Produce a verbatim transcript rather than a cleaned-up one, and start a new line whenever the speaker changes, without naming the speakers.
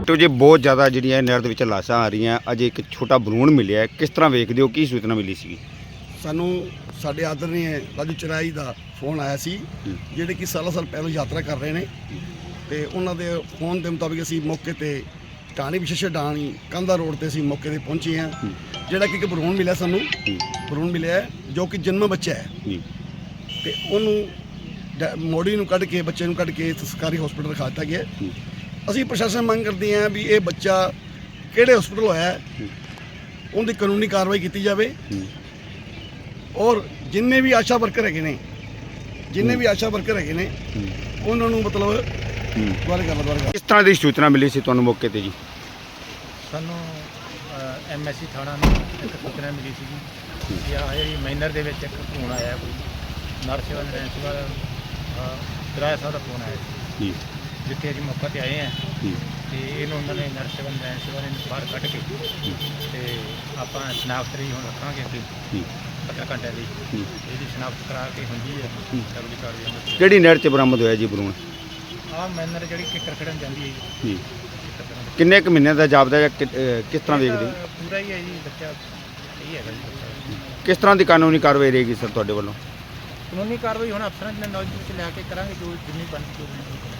Doctor ਜੀ ਬਹੁਤ ਜ਼ਿਆਦਾ ਜਿਹੜੀਆਂ ਨਹਿਰ ਦੇ ਵਿੱਚ ਲਾਸ਼ਾਂ ਆ ਰਹੀਆਂ, ਅਜੇ ਇੱਕ ਛੋਟਾ ਭਰੂਣ ਮਿਲਿਆ ਹੈ, ਕਿਸ ਤਰ੍ਹਾਂ ਵੇਖਦੇ ਹੋ, ਕੀ ਸੂਚਨਾ ਮਿਲੀ ਸੀ?
ਸਾਨੂੰ ਸਾਡੇ ਆਦਰਨੀ ਰਾਜੂ ਚਰਾਈ ਦਾ ਫੋਨ ਆਇਆ ਸੀ, ਜਿਹੜੇ ਕਿ ਸਾਲਾਂ ਸਾਲ ਪਹਿਲਾਂ ਯਾਤਰਾ ਕਰ ਰਹੇ ਨੇ, ਤੇ ਉਹਨਾਂ ਦੇ ਫੋਨ ਦੇ ਮੁਤਾਬਿਕ ਅਸੀਂ ਮੌਕੇ ਤੇ ਟਾਣੀ ਵਿਸ਼ੇਸ਼ ਡਾਣੀ ਕਾਂਦਾ ਰੋਡ ਤੇ ਅਸੀਂ ਮੌਕੇ ਤੇ ਪਹੁੰਚੇ ਹਾਂ। ਜਿਹੜਾ ਕਿ ਇੱਕ ਭਰੂਣ ਮਿਲਿਆ ਸਾਨੂੰ, ਭਰੂਣ ਮਿਲਿਆ ਜੋ ਕਿ ਜਨਮ ਬੱਚਾ ਹੈ, ਤੇ ਉਹਨੂੰ ਮੋੜੀ ਨੂੰ ਕੱਢ ਕੇ ਬੱਚੇ ਨੂੰ ਕੱਢ ਕੇ ਸਰਕਾਰੀ ਹਸਪੀਟਲ ਰਖਾ ਦਿੱਤਾ ਗਿਆ। ਅਸੀਂ ਪ੍ਰਸ਼ਾਸਨ ਮੰਗ ਕਰਦੇ ਹਾਂ ਵੀ ਇਹ ਬੱਚਾ ਕਿਹੜੇ ਹਸਪੀਟਲ ਹੋਇਆ, ਉਹਦੀ ਕਾਨੂੰਨੀ ਕਾਰਵਾਈ ਕੀਤੀ ਜਾਵੇ, ਔਰ ਜਿੰਨੇ ਵੀ ਆਸ਼ਾ ਵਰਕਰ ਹੈਗੇ ਨੇ ਜਿੰਨੇ ਵੀ ਆਸ਼ਾ ਵਰਕਰ ਹੈਗੇ ਨੇ ਉਹਨਾਂ ਨੂੰ ਮਤਲਬ ਦੁਬਾਰਾ ਕਰ ਦੁਬਾਰਾ
ਕਿਸ ਤਰ੍ਹਾਂ ਦੀ ਸੂਚਨਾ ਮਿਲੀ ਸੀ ਤੁਹਾਨੂੰ ਮੌਕੇ ਤੇ ਜੀ?
ਸਾਨੂੰ ਐਮ ਐਸ ਸੀ ਥਾਣਾ ਨੂੰ ਇੱਕ ਸੂਚਨਾ ਮਿਲੀ ਸੀ ਕਿ ਆਹ ਜਿਹੜੀ ਮਾਈਨਰ ਦੇ ਵਿੱਚ ਇੱਕ ਫੋਨ ਆਇਆ, ਕੋਈ ਨਰਸਿਵਲ ਰੈਂਸਵਲ ਕਿਰਾਇਆ ਸਾਹਿਬ ਦਾ ਫੋਨ ਆਇਆ ਸੀ, ਜਿੱਥੇ ਅਸੀਂ ਮੌਕੇ ਤੇ ਆਏ ਹਾਂ। ਤੇ ਇਹਨੂੰ ਉਹਨਾਂ ਨੇ ਨਰਸਿਵਲ ਰੈਂਸਵਲ ਨੂੰ ਬਾਹਰ ਕੱਢ ਕੇ ਤੇ ਆਪਾਂ ਸ਼ਨਾਖਤ ਲਈ ਹੁਣ ਰੱਖਾਂਗੇ ਅੱਗੇ ਪੰਦਰਾਂ ਘੰਟੇ ਲਈ, ਇਹਦੀ ਸ਼ਨਾਖਤ ਕਰਾ ਕੇ ਹੁੰਦੀ ਹੈ ਅਗਲੀ ਕਾਰਵਾਈ।
ਕਿਹੜੀ ਨਹਿਰ 'ਚ ਬਰਾਮਦ ਹੋਇਆ ਜੀ ਭਰੂਣ?
ਆਹ ਮਾਈਨਰ ਜਿਹੜੀ ਕਿੱਕਰ ਖੜਨ ਜਾਂਦੀ ਹੈ ਜੀ।
ਕਿੰਨੇ ਕੁ ਮਹੀਨੇ ਦਾ ਜਾਪਦਾ ਹੈ, ਕਿ- ਕਿਸ ਤਰ੍ਹਾਂ ਵੇਖਦੇ ਹੋ?
ਪੂਰਾ ਹੀ ਹੈ ਜੀ ਬੱਚਾ, ਸਹੀ ਹੈਗਾ ਜੀ ਬੱਚਾ।
ਕਿਸ ਤਰ੍ਹਾਂ ਦੀ ਕਾਨੂੰਨੀ ਕਾਰਵਾਈ ਰਹੇਗੀ ਸਰ ਤੁਹਾਡੇ ਵੱਲੋਂ?
ਕਾਨੂੰਨੀ ਕਾਰਵਾਈ ਹੁਣ ਅਫਸਰਾਂ ਦੇ ਨੌਲੇਜ ਵਿੱਚ ਲੈ ਕੇ ਕਰਾਂਗੇ, ਜੋ ਜਿੰਨੀ ਬਣਦੀ ਹੋਵੇਗੀ।